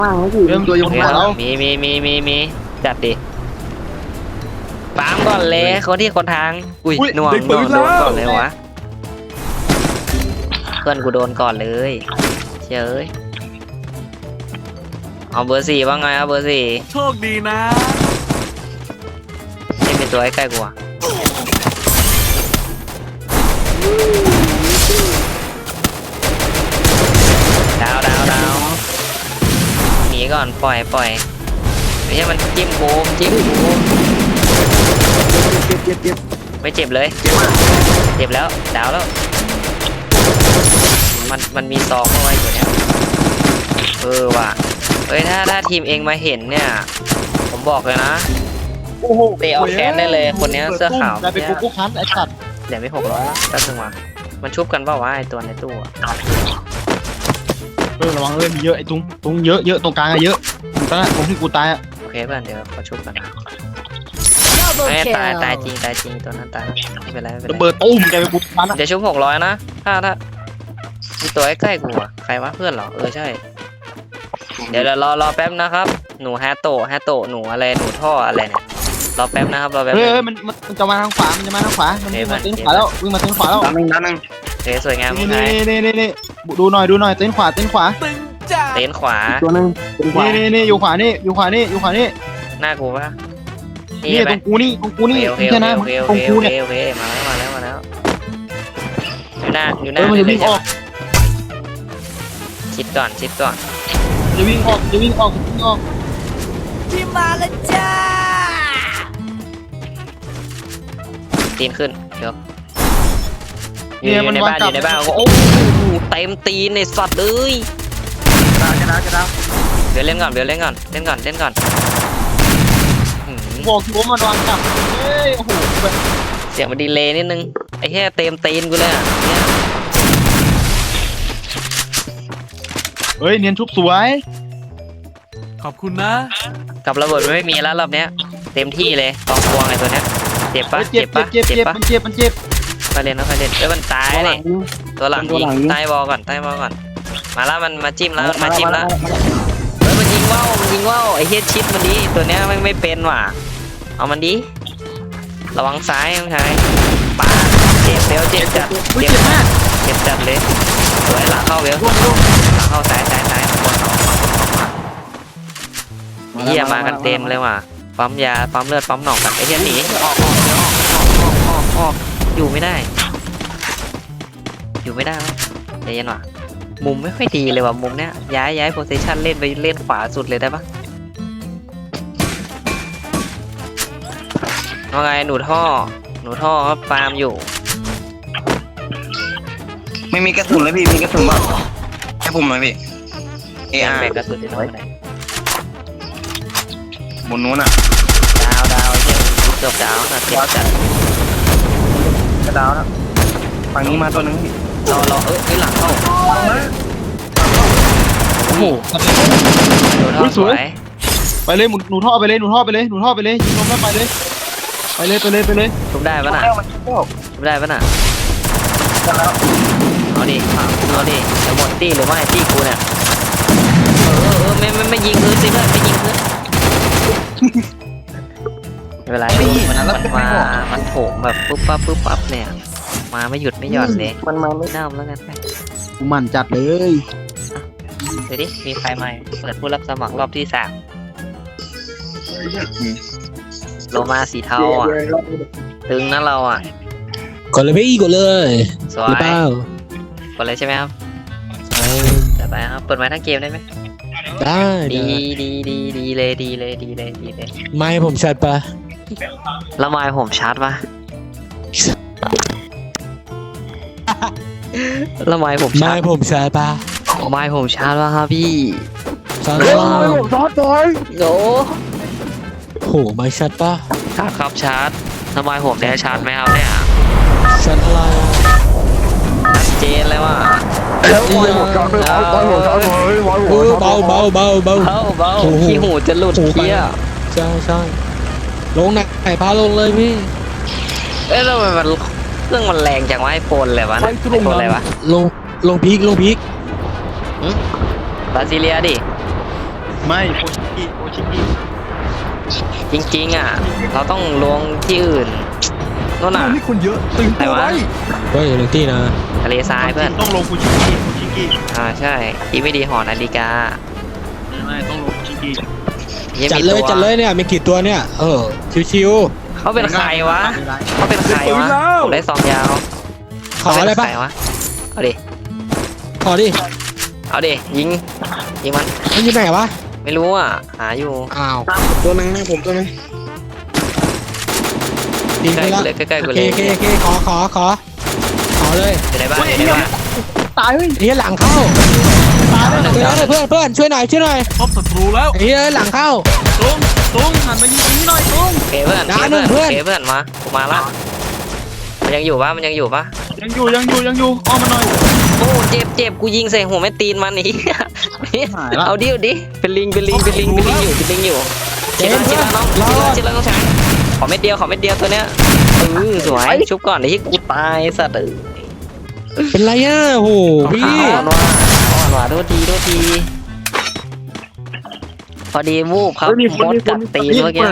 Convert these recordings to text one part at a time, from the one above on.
ว่างไม่ถึงเริ่มตัวอยู่ข้างหน้าแล้วมีจัดดิปามก่อนเลยคนทางอุ้ยหน่วงโดนก่อนเลยวะเพื่อนกูโดนก่อนเลยเชยเอ้ยเอาเบอร์สี่ว่าไงเอาเบอร์สี่โชคดีนะนี่เป็นตัวใกล้ๆกูอะดาวหนีก่อนปล่อยไม่ใช่มันจิ้มกูเจ็บไม่เจ็บเลยเจ็บแล้วดาวแล้วมันมีซองเอาไว้อยู่เนี่ยว่ะเฮ้ยถ้าทีมเองมาเห็นเนี่ยผมบอกเลยนะโอ้โหเตะเอาแขนได้เลยคนเนี้ยเสื้อขาวกลายเป็นกูคันไอ้สัตว์เดี๋ยวไม่600แล้วก็ถึงมามันชุบกันเปล่าวะไอตัวในตู้อะระวังมีเยอะไอ้ตรงเยอะตรงกลางอะเยอะตอนนั้นผมที่กูตายอะโอเคเพื่อนเดี๋ยวขอชุบกัน Double ไม่ kill ตายจริงตัวนั้นตายไม่เป็นไรระเบิดตุ้มกลายเป็นกูคันอะเดี๋ยวชุบ600นะถ้ามีตัวใกล้ๆกูอะใครวะเพื่อนเหรอใช่เดี๋ยวรอแป๊บนะครับหนูแฮตโตหนูอะไรหนูท่ออะไรเนี่ยรอแป๊บนะครับรอแป๊บเฮ้ยมันจะมาทางขวามันมาทางขวามันวิ่งมาเต้นขวาแล้ววิ่งมาเต้นขวาแล้วด้านหนึ่งโอเคสวยงามนี่ไงนี่ดูหน่อยเต้นขวาตึงจ้าเต้นขวาตัวหนึ่งเป็นขวานี่อยู่ขวานี่หน้ากูปะนี่ตรงกูนี่โอเคใช่นะโอเคตรงกูเนี่ยมาแล้วอยู่หน้ามันจะวิ่งออกชิดก่อนจะวิ่งออกที่มาแล้วจ้าตีนขึ้นเดี๋ยวเนี่ยอยู่ในบ้านโอ้โหเต็มตีนในสัตว์เลยจะดาวเดี๋ยวเล่นก่อนบอกที่ผมมันวางจับเฮ้ยโอ้โหเสียงมันดีเลย์นิดนึงไอ้แค่เต็มตีนกูเลยอ่ะเนี่ยเฮ้ยเนียนชุบสวยขอบคุณนะกับระเบิดไม่มีแล้วรอบเนี้ยเต็มที่เลยกองพวงไอ้ตัวเนี้ยเจ็บปะเจ็บมันเจ็บค่อยเล่นมันตายตัวหลันี่งยิงตัวหลังตัวยิหลังงยิงใต้บอลก่อนมาแล้วมันมาจิ้มแล้วเฮ้ยมันยิงว่าวไอ้เฮียชิดมันดีตัวเนี้ยไม่เป็นว่ะเอามันดีระวังซ้ายน้องชายปาเจ็บจัดเจ็บมากเจ็บจัดเลยสวยหลังเข้าเวลหลังเข้าซ้ายเฮียมากันเต็มเลยว่ะปั๊มยาปั๊มเลือดปั๊มหนองกันไอ้เฮียหนีออกอยู่ไม่ได้ใจเย็นว่ะมุมไม่ค่อยดีเลยว่ะมุมเนี้ยย้ายโพซิชันเล่นไปเล่นขวาสุดเลยได้ปะว่าไงหนูท่อครับฟาร์มอยู่ไม่มีกระสุนเลยพี่มีกระสุนบ้างให้ผมหน่อยพี่แบกกระสุนที่ไหนบนนู้นอ่ะดาวเหี้ยเกือบดาวนะเจ็บจัดกระดาวนะฝั่งนี้มาตัวนึงพี่รอหลังเข้าโอ้โหหนูท่อสวยไปเลยหนูท่อไปเลยยิงลงแล้วไปเลยทุบได้ปะน่ะเอาดิจะหมดตี้หรือไม่ตี้กูเนี่ยไม่ยิงพื้นสิเพื่อนไม่ยิงพื้นไม่เป็นไรมันโถมแบบปุ๊บปั๊บเนี่ยมาไม่หยุดไม่หย่อนเลยมันมาไม่น้ำแล้วกันกูมันจัดเลยเดี๋ยวดิมีใครใหม่เปิดผู้รับสมัครรอบที่3โลมาสีเทาอ่ะตึงนะเราอ่ะกดเลยพี่กดเลยสวหรือย เปล่ากดเลยใช่ไหมครับจะไปครับเปิดไม้ทั้งเกมได้ไหมได้ดีเลยไม่ผมชัดปะแล้วไม้ผมชาร์จปะแล้วไม้ผมไม่ชาร์จผมชัดปะไม้ผมชาร์จปะครับพี่ชัดเฮ้ยปะผมซอสบอยโอ้โหไม่ชัดปะครับชาร์จแล้วไม้ผมได้ชาร์จไหมครับเนี่ยชัดอะไรอะชัดเจนเลยว่าเบาเบาขี้หูจะหลุดเคี้ยใช่ลงไหนพาลงเลยพี่เอ้ยแล้วมันเครื่องมันแรงจังวะไอโฟนเลยวะไอโฟนอะไรวะลงพีกบราซิเลียดิไม่โคชิกิโคชิกิจริงๆอ่ะ เราต้องลงที่อื่นโน่นน่ะนี่คนเยอะตื่นตัวไว้เฮ้ยหนึ่งที่นะทะเลทรายเพื่อนต้องลงโคชิกิโคชิกิใช่อีไม่ดีหอนาฬิกาไม่ต้องลงโคชิกิยังจัดมีเลตัยว จัดเลยเนี่ยมีกี่ตัวเนี่ยชิวเขาเป็นใครวะเขาเป็นใครวะผมได้ซองยาวๆขออะไรปะเขาเป็นใควะเอาดิขอดิเอาดิยิงมันมันอยู่ไหนวะไม่รู้อ่ะหาอยู่อ้าวตัวนึงนะผมตัวนึงดีใกไปล้ละกูเลยใกล้ๆโอกูเคเลยโอเคขอเลยอยู่ในบ้านอยู่ในบ้านตายเฮ้ยไอ้เหี้ยหลังเข้าตายเลยเพื่อนช่วยหน่อยพบศัตรูแล้วไอ้เหี้ยหลังเข้าตุ้งหันมายิงนี้หน่อยตุ้งโอเคเพื่อนด่าหนึ่งเพื่อนโอเคเพื่อนมากูมาละมันยังอยู่ปะยังอยู่อ้อมมาหน่อยโอ้เจ็บกูยิงใส่หัวแม่ตีนมันอีกหายละเอาดิเป็นลิงอยู่เจมส์เพื่อนชิลน้องรอชิลน้องชายขอเม็ดเดียวตัวเนี้ยสวยชุบก่อนเดี๋ยวที่กูตายสัตว์เป็นไรอ่ะโหพี่อ่อนว่ะโทษทีพอดีวูบครับมดกัดตีนเมื่อกี้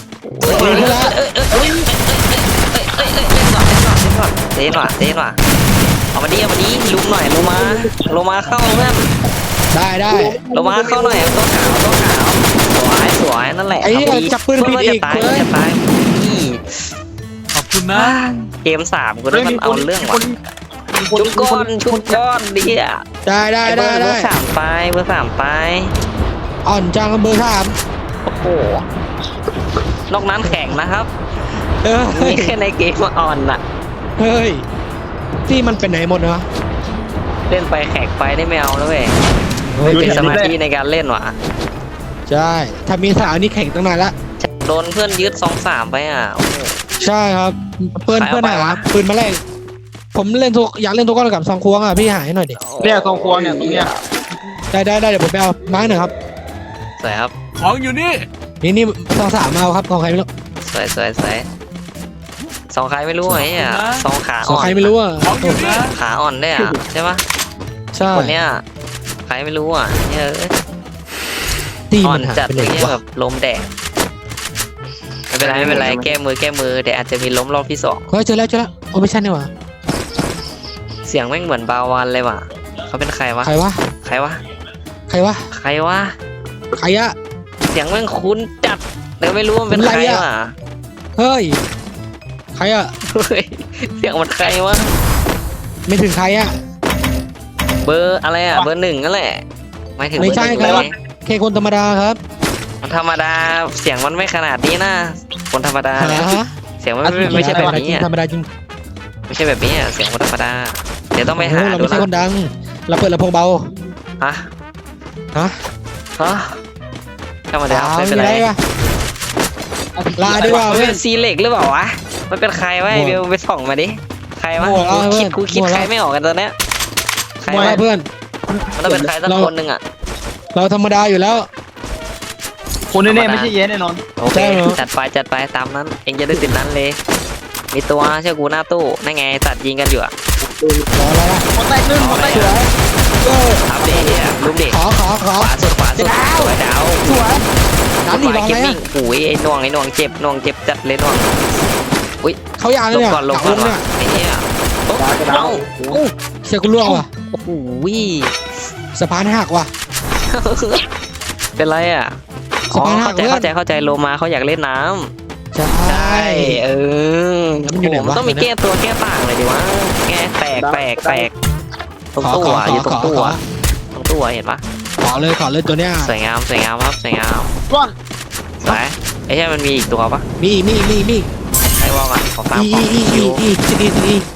เต้นว่ะเอามาดิลุมหน่อยลงมาเข้าเพื่อนได้ลงมาเข้าหน่อยตัวขาวสวยนั่นแหละไอ้เหี้ยจับปืนผิดอีกจะตายเว้ยนี่ขอบคุณนะเกม3กูได้มันเอาเรื่องว่ะชุบก้อนดิอ่ะได้เบอร์3ไปอ่อนจังเบอร์สามโอ้โหนอกนั้นแข็งนะครับเฮ้มียแค่ในเกมอ่อนน่ะเฮ้ยที่มันเป็นไหนหมดเนาะเล่นไปแขกไปได้ไม่เอาแล้วเว้ยไม่เป็นสมาธิในการเล่นว่ะใช่ถ้ามีสาวนี่แข่งตั้งนานละโดนเพื่อนยึด2-3ไปอ่ะโอ้โหใช่ครับเพื่อนขายเอาไปหาวะปืนมาแรกผมเล่นอยากเล่นทุกก้อนกับซองควงอ่ะพี่หายให้หน่อยดิเนี่ยทองควงเนี่ยตรงเนี้ยได้เดี๋ยวผมไปเอาไม้หน่อยครับสวยครับของอยู่นี่นี่ซองสามเอาครับของใครไม่รู้สวยสองขาไม่รู้ไอ้เนี่ยสองขาของอ่อนใครไม่รู้อ่ะของอยู่นี่ขาอ่อนได้อ่ะใช่ปะใช่คนเนี้ยใครไม่รู้อ่ะเนี่ยตีอ่อมัน นหายจัดไปไหนเนี่ยวะแบบลมแดดไม่เป็นไรแก้มือแต่อาจจะมีล้มรอบที่2 เฮ้ยเจอแล้วโอ้ไม่ใช่นี่หว่าเสียงแม่งเหมือนบาวันเลยว่ะเขาเป็นใครวะใครวะใครวะใครวะใครวะใครอะเสียงแม่งคุ้นจัดแต่ไม่รู้ว่ามันเป็นใครว่ะเฮ้ยใครอะเฮ้ยเสียงมันใครวะไม่ถึงใครอะเบอร์อะไรอ่ะเบอร์ 1นั่นแหละหมายถึงไม่ใช่เบอร์ครับ 1เลยแค่คนธรรมดาครับมันธรรมดาเสียงมันไม่ขนาดนี้นะคนธรรมดาเนี่ยฮะเสียงมันไม่ใช่แบบนี้อ่ะธรรมดาจริงไม่ใช่แบบนี้อ่ะเสียงคนธรรมดาเดี๋ยวต้องไปหาเราดูไม่ใช่นะคนดัง เราเปิดลำโพงเบาฮะฮะฮะธรรมดาไม่เป็นไรวะลาดีกว่ามันเพื่เป็อนนซีเล็กหรือเปล่าวะมันเป็นใครวะไอ้เบลไปส่องมาดิใครวะมั่วแล้วเพื่อนกูคิดมั่วแล้วใครไม่ออกกันตอนเนี้ยใครมาวะเพื่อนมันต้องเป็นใครสักคนหนึ่งอ่ะเราธรรมดาอยู่แล้วคนแน่ๆไม่ใช่เย้แน่นอนโอเคใช่เหรอจัดไปตามนั้น เองจะได้ติดนั้นเลย มีตัวเชื่อกูหน้าตู้นั่นไงตัดยิงกันอยู่อ่ะขออะไรล่ะหมดแตกหนึ่งหมดแตกสวยเอออัปเดตเนี่ยลูกเด็กขอขวาสุดสวยดาวสวยน้ำหนีไฟรอเกอะมไรมิ่งอะโอ้ยไอ้น่วงเจ็บจัดเลยน่วงเขาอยากลเลยงเนี่ยก่อนหว่ะลังเนี่ยไอ้เนี่ยโอ้เอ้าเสียกูล่วงว่ะโอ้โหสะพานหักว่ะเป็นไรอ่ะสะพานหักเพื่อนเข้าใจโลมาเขาอยากเล่นน้ำใช่ใช่เออแล้วมันอยู่ไหนวะมันต้องมีแก้ตัวแก้ต่างเลยดิวะแก้แตกตรงตู้อ่ะอยู่ตรงตู้อ่ะตรงตู้อ่ะเห็นปะขอเลยตัวเนี้ยสวยงามครับสวยงามร่วงสวยไอ้ใช่มันมีอีกตัวปะมีไอ้วอลก่อนขอฟังอีของที่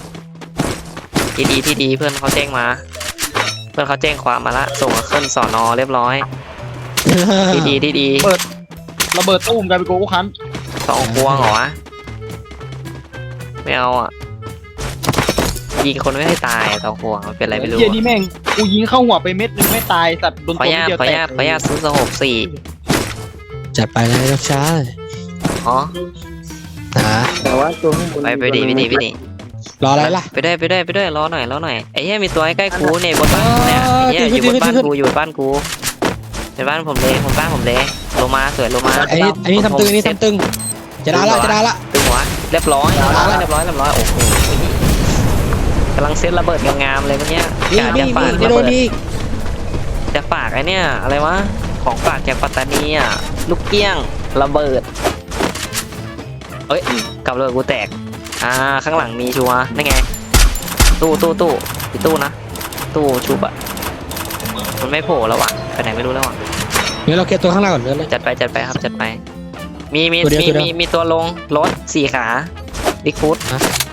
ที่ดีเพื่อนเขาแจ้งมา เพื่อนเขาแจ้งความมาละส่งขึ้นสอนอเรียบร้อยที่ดีระเบิดตู้มกลายเป็นโกโก้คันสองพวงเหรอวะไม่เอาอ่ะยิงคนไม่ให้ตายสองพวงมันเป็นอะไรไม่รู้เหี้ยนี่แม่งกูยิงเข้าหัวไปเม็ดนึงไม่ตายสัตว์โดนขอตัวญาตเดียวขอแตญาก ตซื้อสหกสี่จัดไปเลยนะช้าอ๋อหาแต่ว่าตัวข้างบนไปดิรออะไรล่ะไปด้วยรอหน่อยไอ้เหี้ยมีตัวใกล้ๆกูเนี่ยบนบ้านเนี่ยไอ้เหี้ยอยู่บนบ้านกูในบ้านผมเลยผมบ้านผมเลยลงมาสวยลงมาไอ้นี่ทำตึงไอ้นี่ทำตึงจะได้ละจะได้ละตึงหัวเรียบร้อยเรียบร้อยโอ้โหกำลังเซตระเบิดงามๆเลยเมื่อกี้นี่กะนี่จะฝากนี่ระโดเบินดนี่จะฝากไอ้เนี่ยอะไรวะของฝากจากปัตตานีอ่ะลูกเกี้ยงระเบิดเอ้ยกับระเบิดกูแตกข้างหลังมีชัวร์นั่นไงตู้อีกตู้นะตู้ชุบอ่ะมันไม่โผล่แล้วว่ะไปไหนไม่รู้แล้วว่ะเดี๋ยวเราเก็บตัวข้างหน้าก่อนเลยจัดไปครับจัดไปมีตัวเดียวตัวเดียวมีตัวลงรถ4 ขาดิกฟุต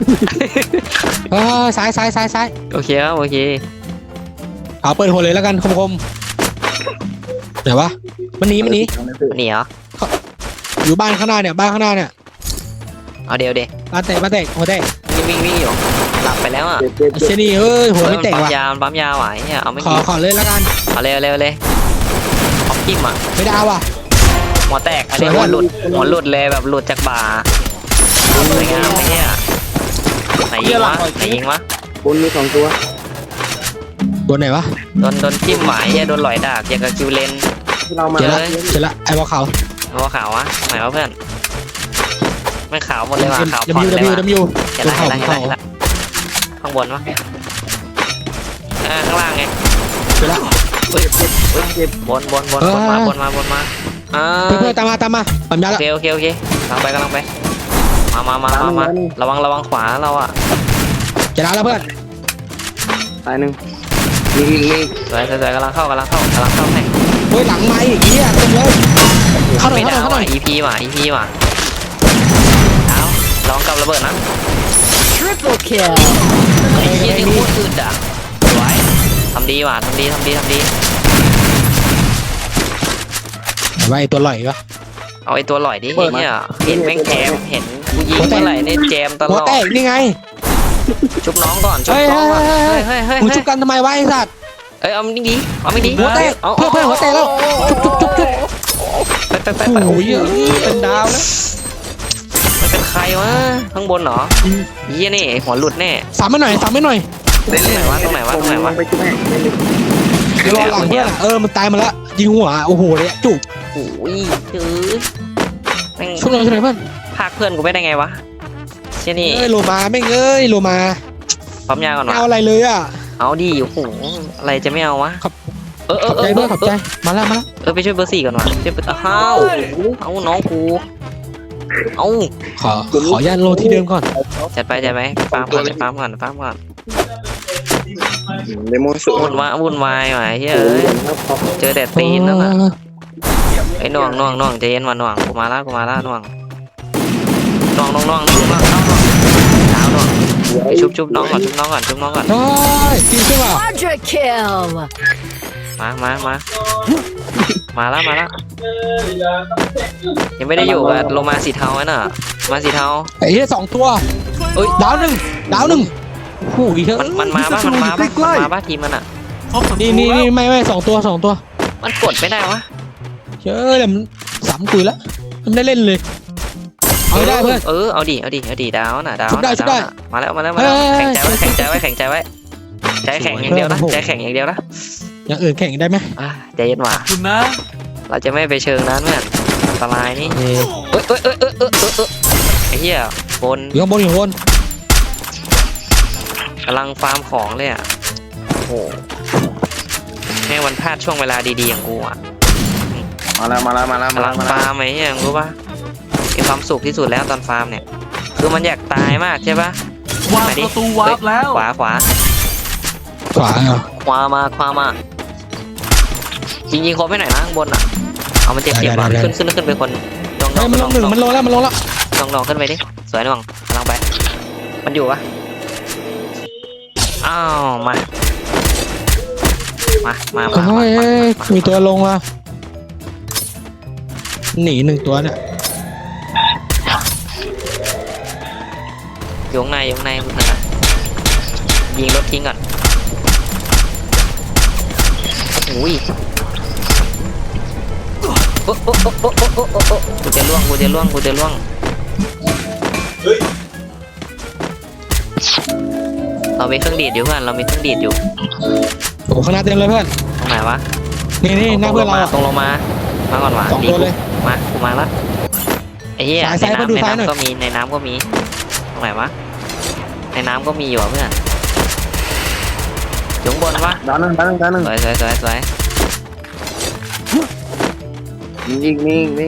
ซ้ายโอเคครับโอเคเอาเปิดหัวเลยแล้วกันคมไหนวะมันหนีหนีเหรออยู่บ้านข้างหน้าเนี่ยบ้านข้างหน้าเนี่ยเอาเดี๋ยวบ้านแตกหัวแตกวิ่งอยู่หลับไปแล้วอ่ะไอ้เชนี่เอ้ยหัวไม่แตกว่ะปั๊มยาไหวเนี่ยเอาไม่ขอเลยแล้วกันเอาเร็วเลยออกจิ้มอ่ะไม่ได้ว่ะหัวแตกอันนี้สวยหัวมากหลุดเลยแบบหลุดจากบ่าสวยงามไอ้เนี่ยไหนยิงวะบนมี2 ตัวตัวไหนวะโดนจิ้มไหวโดนหลอยดาบอย่างกับคิวเลนที่เรามาเจอละไอ้บอลขาวหัวขาววะไหนวะเพื่อนไม่ขาวหมดเลยว่ะขาวดผ่อนเลยำว่ะยูเห็นตัวละเขาข้างบนวะข้างล่างไงเจอละบนมาเพื่อนตามมาปั๊มยาโอละเคกำลังไปมาระวังขวาเราอ่ะจะได้แล้วเพื่อนตาย1มีอีกสวยกำลังเข้าให้เฮ้ยหลังไม้อีกเหี้ยเต็มเลยเข้าหน่อยไม่เข้าหน่อยได้เข้าหน่อย EP ว่ะเอาลองกับระเบิดนะ Triple kill. ไอ้เหี้ยนี่โคตรอึดอ่ะสวยทำดีว่ะทำดีไว้ตัวลอยวะเอาไอ้ตัวหล่อยดิเนี่ยเห็นแม่งแจมเห็นกูยิงเมื่อไหร่เนี่ยแจมตลหัวอดแตกนี่ไงชุบน้องก่อนเฮ้ยมึงชุบกันทำไมวะไอ้สัตว์เอาไม่ดีหัวแตกเพื่อนหัวแตกแล้วจุ๊บไปโอ้ยเป็นดาวแล้วมันเป็นใครวะข้างบนเหรอเยี่ยนี่หัวหลุดแน่สามไม่หน่อยตรงไหนวะไปช่วยเดี๋ยวรอหลังเพื่อนมันตายมาแล้วยิงหัวโอ้โหเลยจุ๊บโอ้ยแม่งช่วยหน่อยเพื่อนพากเพื่อนกูไม่ได้ไงวะเชี่ยนี่โลมาแม่งโลมาปั๊มยาก่อนไม่วะเอาอะไรเลยอ่ะเอาดิโอ้โหอะไรจะไม่เอาวะครับเออขอบใจเพื่อนขอบใจมาแล้วไปช่วยเบอร์ 4ก่อนวะช่วยเบอร์เอาน้องกูเอาขอยันโลที่เดิมก่อนจัดไปฟาร์มก่อนเดโมสุวุ่นวายว่ะเฮ้ยเจอแต่ตีนนั่นน่ะไอ้น่วงใจเย็นว่ะน่วงกูมาละน่วงดาวน่วงไอ้ชุบน้องก่อนเฮ้ยจริงใช่ป่ะ Quadra kill. มาละยังไม่ได้อยู่กับโลมาสีเทาน่ะมาสีเทาไอ้เหี้ย2 ตัวดาวหนึ่งโอ้ยมันมาป่ะทีมมันอ่ะพบศัตรูนี่แล้วไม่2 ตัวมันกดไม่ได้วะเชื่อเดี๋ยวมัน3 กุยแล้วมันได้เล่นเลยเอาได้เพื่อนเอาดิดาวน่ะดาวชุบได้มาแล้วแข่งใจไว้ใจแข็งอย่างเดียวนะอย่างอื่นแข่งได้ไหมใจเย็นว่ะขอบคุณนะเราจะไม่ไปเชิงนั้นเพื่อนอันตรายนี่ไอ้เหี้ยบนอยู่ข้างบนกำลังฟาร์มของเลยอ่ะโอ้โหแม่งวันพลาดช่วงเวลาดีๆอย่างกูอ่ะมาแล้วกำลังฟาร์มไอ้เหี้ยรู้ปะมีความสุขที่สุดแล้วตอนฟาร์มเนี่ยคือมันอยากตายมากใช่ปะวางประตูวาร์ปแล้วขวาขวาเหรอขวามาจริงๆครบไม่หน่อยนะข้างบนอ่ะเอามันเจ็บว่ะขึ้นไปคนน้องเฮ้ยมันลงหนึ่งมันลงแล้วน้องขึ้นไปดิสวยน้องกำลังไปมันอยู่ปะอ้าวมาเฮ้ยมีตัวลงว่ะหนี1 ตัวเนี่ยอยู่ข้างในคุณเห็นนะยิงรถทิ้งก่อนอุ้ยโอ้กูจะล่วงเรามีเครื่องดีดอยู่เพื่อนโอ้ข้างหน้าเต็มเลยเพื่อนตรงไหนวะนี่หน้าเพื่อนเราตรงลงมาก่อนว่ะ 2 ตัวเลยมากูมาแล้วไอ้เหี้ยซ้ายในมาดูน้ำซ้ายหน่อยก็มีในน้ำก็มีตรงไหนวะในน้ำก็มีอยู่อ่ะเพื่อนอยู่ข้างบนวะดาวหนึ่งสวยยิง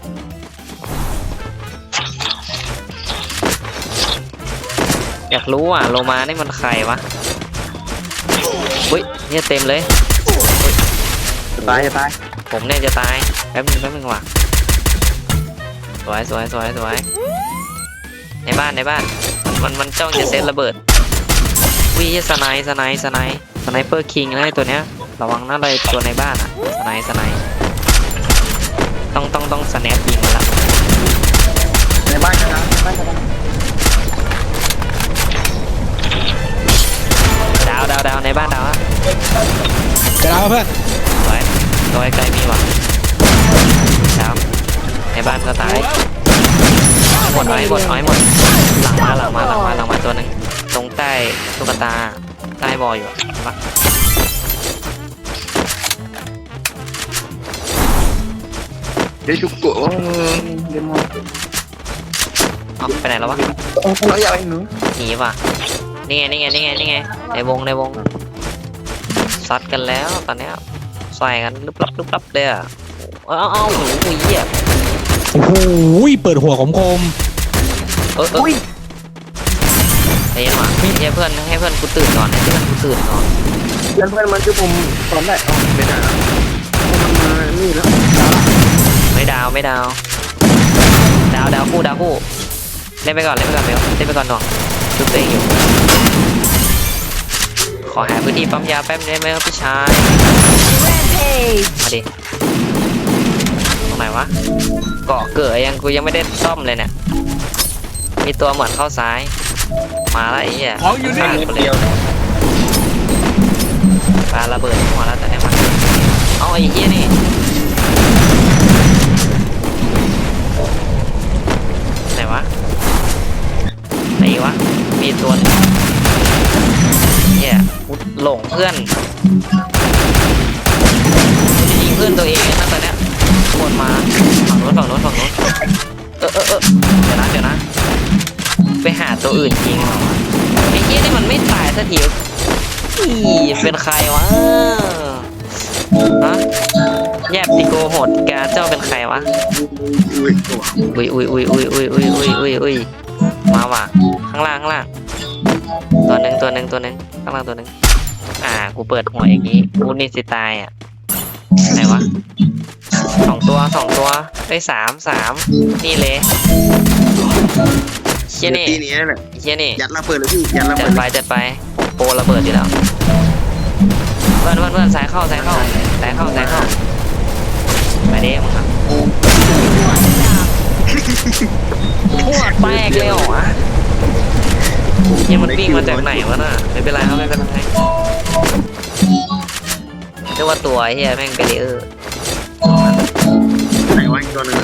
อยากรู้อ่ะโลมานี่มันใครวะอุ้ยเนี่ยเต็มเลยจะตายผมเนี่ยจะตายแป๊บนึงว่ะสวยในบ้านมันจ้องจะเซตระเบิดวิสไนเปอร์คิงนะไอ้ตัวเนี้ยระวังนะอะไรตัวในบ้านอ่ะสไนต้องสแนปยิงมันละในบ้านกันนะดาวในบ้านดาวอะจะดาวเพื่อนสวยตัวไกลมีว่ะดาวในบ้านก็ตายหมดหลังมาตัวหนึงตรงใต้ตุ๊กตาใต้บออยู่อะเดี๋ยวจุกโกเดี๋ยวมาเอาไปไหนแล้ววะเราอยากไปหนูหนีว่ะนี่ไงในวงซัดกันแล้วตอนเนี้ยใส่กันลุบลับเลยอ่ะเอาหูเหี้ยโอ้โหเปิดหัวคมเฮ้ยว่ะให้เพื่อนกูตื่นก่อนให้เพื่อนกูตื่นก่อนเพื่อนมันคือผมตอนแรกไม่ได้มันมานี่แล้วไม่ดาวคู่เล่นไปก่อนเบลเล่นไปก่อนน้องชุบตัวเองอยู่ขอหาพื้นที่ปั๊มยาแป๊บได้ไหมครับพี่ชาย Rampage. มาดิตรงไหนวะเกาะเกิดกูยังไม่ได้ซ่อมเลยเนี่ยมีตัวเหมือนเข้าซ้ายมาแล้วไอ้เหี้ยของอยู่นี่ขาดไปเลยปาระเบิดหัวแล้วแต่ไหนมาเอาไอ้เหี้ยนี่ไหนวะมีตัวนึงเหี้ยหลงเพื่อนจะยิงเพื่อนตัวเองนะตอนเนี้ยวนมาฝั่งโน้นเดี๋ยวนะไปหาตัวอื่นยิงไอ้เหี้ยนี่มันไม่ตายสักทีเป็นใครวะฮะแยบติโกโหดกาเจ้าเป็นใครวะอุ้ยมาว่ะข้างล่างตัวหนึ่งข้างล่างตัวหนึ่งกูเปิดหัวอย่างงี้กูนี่สิตายอ่ะไหนวะสองตัวได้สามนี่เลยเชี่ยนี่ตีนี้แหละเชี่ยนี่ยัดระเบิดเลยพี่ยัดระเบิดจัดไปโปรระเบิดอยู่แล้วเพื่อนสายเข้าไปดิมึงครับหัวแตกเลยเหรอวะยังมันวิ่งมาจากไหนวะน่ะไม่เป็นไรครับไม่เป็นไรเรียกว่าตัวเฮียแม่งเบรีเออร์ไหนวะอีกตัวนึง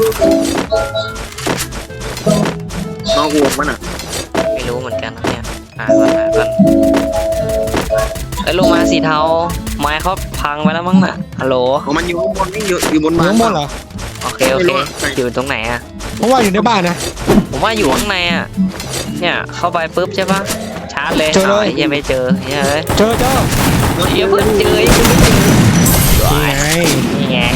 น้องอ้วกมันอ่ะไม่รู้เหมือนกันนะเนี่ยหาก่อนไอ้ลงมาสีเทาไม้เขาพังไปแล้วมั้งน่ะฮัลโหลมันอยู่ข้างบนนี่อยู่บนๆบ้านข้างบนเหรอโอเคอยู่ตรงไหนอะเพราะว่าอยู่ในบ้านนะผมว่าอยู่ข้างในอะเนี่ยเข้าไปปุ๊บใช่ปะชาร์จเลยเจอเลยยังไม่เจอเฮ้ยเจอเดี๋ยวเพื่อนเจอนี่ไง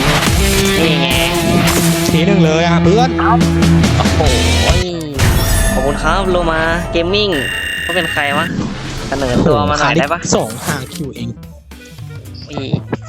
ทีหนึ่งเลยอ่ะเพื่อนโอ้โหขอบคุณครับโลมาเกมมิ่งเขาเป็นใครวะเสนอตัวมาหน่อยได้ปะ 2 5 คิวเองอี